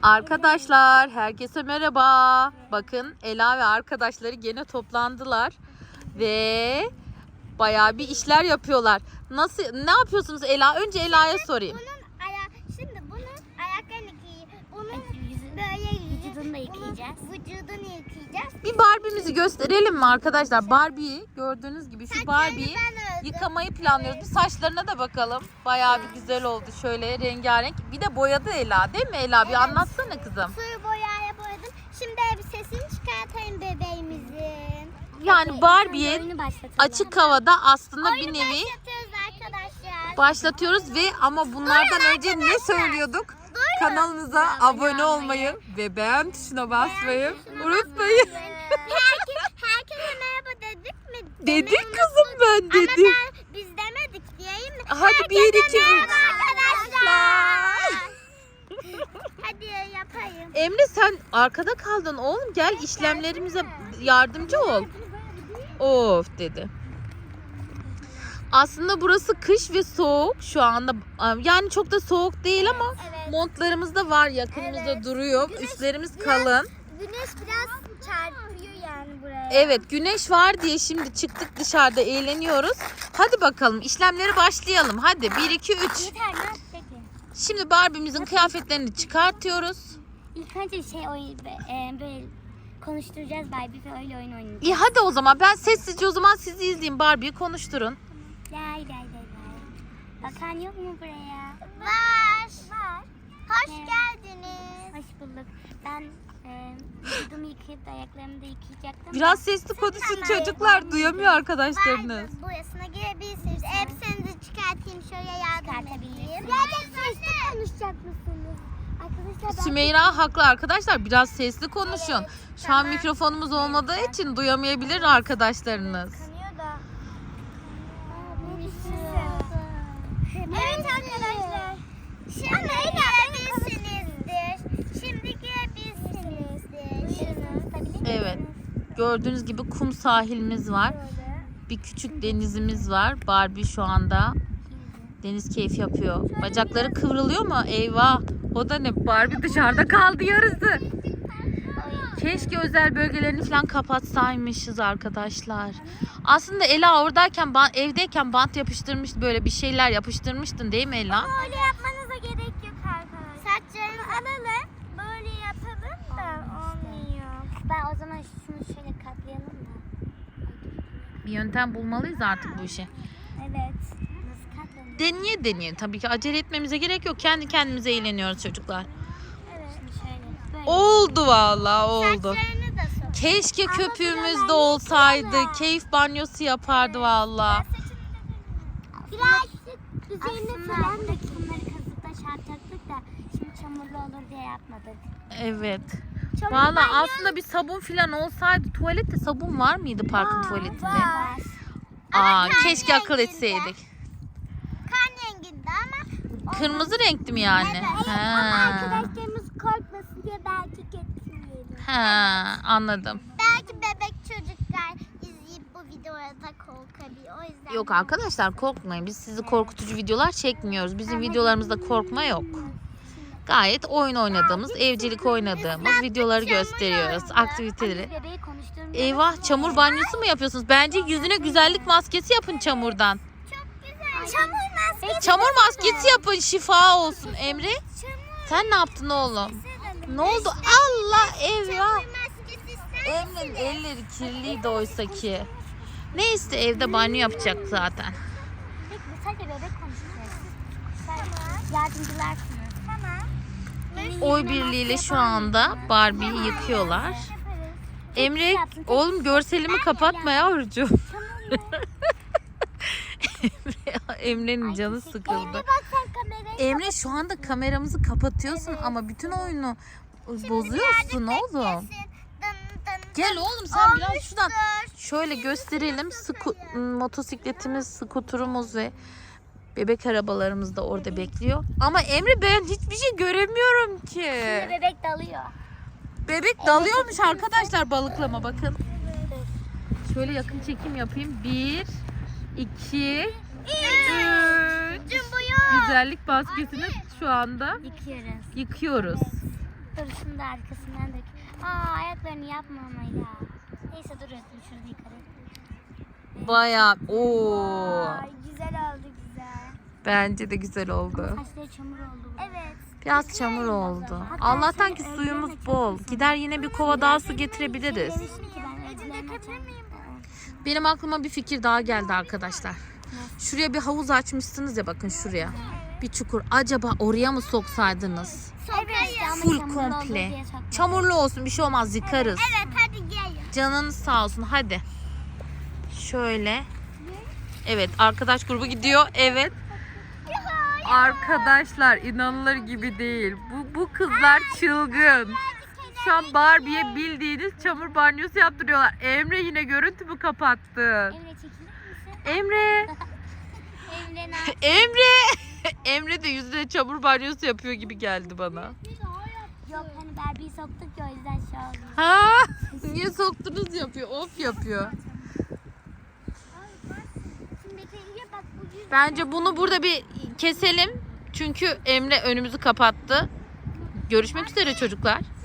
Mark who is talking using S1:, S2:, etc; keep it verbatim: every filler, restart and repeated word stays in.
S1: Arkadaşlar herkese merhaba. Bakın Ela ve arkadaşları gene toplandılar ve bayağı bir işler yapıyorlar. Nasıl, ne yapıyorsunuz Ela? Önce Ela'ya sorayım.
S2: Bunun aya şimdi bunun ayaklarını giy. Bunun böyle
S3: Vücudunu da yıkayacağız.
S2: Vücudunu yıkayacağız.
S1: Bir Barbie'mizi gösterelim mi arkadaşlar? Barbie'yi gördüğünüz gibi şu Barbie'yi yıkamayı planlıyoruz. Bir saçlarına da bakalım. Bayağı bir güzel oldu şöyle rengarenk. Bir de boyadı Ela değil mi Ela? Bir
S2: Evet.
S1: anlatsana kızım.
S2: Suyu boyaya boyadım. Şimdi elbisesini çıkartayım bebeğimizin.
S1: Yani Barbie'ye
S3: Oyunu başlatalım.
S1: açık havada aslında
S2: Oyunu
S1: bir nevi
S2: başlatıyoruz arkadaşlar.
S1: başlatıyoruz ve ama bunlardan önce ne söylüyorduk? Kanalımıza abone olmayı ve beğen tuşuna basmayı unutmayın.
S2: Herkes, herkese merhaba dedik mi?
S1: Dedik
S2: Demeyi
S1: kızım,
S2: unuttuk.
S1: ben dedim.
S2: Ama ben, biz demedik diyeyim mi?
S1: Hadi bir, iki, üç.
S2: Arkadaşlar. Hadi yapayım.
S1: Emre sen arkada kaldın oğlum, gel işlemlerimize yardımcı ol. Of dedi. Aslında burası kış ve soğuk şu anda, yani çok da soğuk değil ama
S2: Evet.
S1: montlarımız da var yakınımızda
S2: Evet.
S1: duruyor.
S2: Güneş
S1: Üstlerimiz
S2: biraz-
S1: kalın.
S2: Güneş biraz çarpıyor yani buraya.
S1: Evet, güneş var diye şimdi çıktık dışarıda eğleniyoruz. Hadi bakalım işlemlere başlayalım. Hadi bir iki üç.
S3: Yeter mi? Peki.
S1: Şimdi Barbie'mizin kıyafetlerini çıkartıyoruz.
S3: İlk önce şey oyun e, böyle konuşturacağız Barbie ve öyle oyun oynayacağız.
S1: İyi hadi o zaman ben sessizce o zaman sizi izleyeyim, Barbie'yi konuşturun.
S3: Lay lay lay lay. Bakan yok mu buraya?
S2: Var. Var. Hoş
S3: Evet.
S2: geldiniz.
S3: Hoş bulduk. Ben e, vücudumu yıkayıp da ayaklarımı da yıkayacaktım.
S1: Biraz sesli konuşun çocuklar, duyamıyor arkadaşlarınız.
S2: Var. Boyasına girebilirsiniz. Elbisenizi çıkartayım şöyle yardım edeyim.
S3: Çıkartabilirsiniz.
S2: Gerçekten sesli konuşacak mısınız? Arkadaşlar ben...
S1: Sümeyra haklı arkadaşlar, biraz sesli konuşun.
S2: Evet,
S1: Şu an
S2: tamam.
S1: mikrofonumuz olmadığı için duyamayabilir arkadaşlarınız.
S2: Kanıyor da. Evet arkadaşlar. Şimdi girebilirsinizdir. Şimdi girebilirsinizdir.
S1: Evet, gördüğünüz gibi kum sahilimiz var. Bir küçük denizimiz var. Barbie şu anda deniz keyfi yapıyor. Bacakları kıvrılıyor mu? Eyvah. O da ne? Barbie dışarıda kaldı yarısı. Keşke özel bölgelerini falan kapatsaymışız arkadaşlar. Aslında Ela oradayken, evdeyken bant yapıştırmış, böyle bir şeyler yapıştırmıştın değil mi Ela?
S2: Öyle yapmanıza gerek yok arkadaşlar. Saçlarını alalım. Böyle yapalım da olmuyor.
S3: Ben o zaman şunu şöyle katlayalım mı?
S1: Bir yöntem bulmalıyız artık bu işe.
S3: Evet. Nasıl katlanıyor?
S1: Deneye deneye. Tabii ki acele etmemize gerek yok. Kendi kendimize eğleniyoruz çocuklar.
S3: Evet. Şimdi şöyle. Böyle.
S1: Oldu vallahi oldu.
S2: Saçlarını da sok.
S1: Keşke köpüğümüz de olsaydı. Keyif banyosu yapardı vallahi.
S2: Birazcık
S3: Aslında buradaki kumları kazıp da çarpacaktık da şimdi çamurlu olur diye yapmadık.
S1: Evet.
S2: Çamur
S1: Vallahi
S2: banyo-
S1: aslında bir sabun falan olsaydı. Tuvalette sabun var mıydı parkın tuvaletinde?
S3: Var.
S1: Aa,
S2: kan
S1: keşke akıl
S2: renginde.
S1: etseydik.
S2: kan renginde ama
S1: Kırmızı renkli mi yani?
S2: Evet.
S1: Ha.
S2: arkadaşlarımız korkmasın diye belki getirmeyelim.
S1: Ha, anladım.
S2: Belki bebek çocuklar izleyip bu videoda korkabilir. O yüzden.
S1: Yok arkadaşlar, korkmayın. Biz sizi korkutucu videolar çekmiyoruz. Bizim videolarımızda korkma yok. Gayet oyun oynadığımız, evcilik oynadığımız videoları gösteriyoruz. Aktiviteleri.
S3: Bebeği konuşturmuyoruz.
S1: Eyvah, çamur banyosu mu yapıyorsunuz? Bence yüzüne güzellik maskesi yapın çamurdan.
S2: Çok güzel. Çamur maskesi.
S1: Çamur maskesi yapın, şifa olsun. Emre, sen ne yaptın oğlum? Ne oldu? Allah, eyvah.
S2: Çamur maskesi ister
S1: Emre'nin elleri kirliydi oysa ki. Neyse, evde banyo yapacak zaten.
S3: Peki sadece bebek konuşuyoruz. Yardımcılar sınıf.
S2: Tamam.
S1: Oy birliğiyle şu anda Barbie'yi yıkıyorlar. Emre, oğlum görselimi kapatma yavrucuğum. Emre, Emre'nin canı sıkıldı.
S2: Bak sen kamerayı.
S1: Emre, şu anda kameramızı kapatıyorsun ama bütün oyunu bozuyorsun oğlum.
S2: Dın dın.
S1: Gel oğlum sen biraz şuradan şöyle gösterelim. Sku- motosikletimiz, skuturumuz ve bebek arabalarımız da orada bekliyor. Ama Emre, ben hiçbir şey göremiyorum ki.
S3: Şimdi bebek dalıyor.
S1: Bebek dalıyormuş arkadaşlar, balıklama bakın. Şöyle yakın çekim yapayım. Bir, iki, üç.
S2: Cumbuyu.
S1: Güzellik maskesini şu anda
S3: Yıkıyoruz.
S1: yıkıyoruz.
S3: Dur şunu da arkasından dök. Aa ayaklarını yapma ama ya. Neyse dur Özlem şurada yıkarım.
S1: Bayağı. Oo.
S2: Ay güzel oldu güzel.
S1: Bence de güzel oldu.
S3: Saçları çamur oldu.
S2: Evet.
S1: Biraz çamur oldu. Allah'tan ki suyumuz bol. Gider yine bir kova daha su getirebiliriz.
S3: Demiştim ki ben
S2: Ece
S3: Özlem'e
S2: dökebilir miyim?
S1: Benim aklıma bir fikir daha geldi arkadaşlar. Şuraya bir havuz açmışsınız ya, bakın şuraya. Bir çukur. Acaba oraya mı soksaydınız?
S2: Evet.
S1: Full komple. Çamurlu olsun, bir şey olmaz, yıkarız.
S2: Evet hadi gel.
S1: Canınız sağ olsun, hadi. Şöyle. Evet, arkadaş grubu gidiyor. Evet. Arkadaşlar inanılır gibi değil. Bu, bu kızlar çılgın. Şu an Barbie'ye bildiğiniz çamur banyosu yaptırıyorlar. Emre yine görüntümü kapattı.
S3: Emre çekilir misin?
S1: Emre.
S3: Emre ne?
S1: Emre. Emre de yüzüne çamur banyosu yapıyor gibi geldi bana.
S3: Yok hani Barbie'yi soktuk ya o yüzden şey oldu.
S1: Ha? Niye soktunuz yapıyor? Of yapıyor.
S2: Şimdi Betül'e bak bu yüz.
S1: Bence bunu burada bir keselim. Çünkü Emre önümüzü kapattı. Görüşmek üzere çocuklar.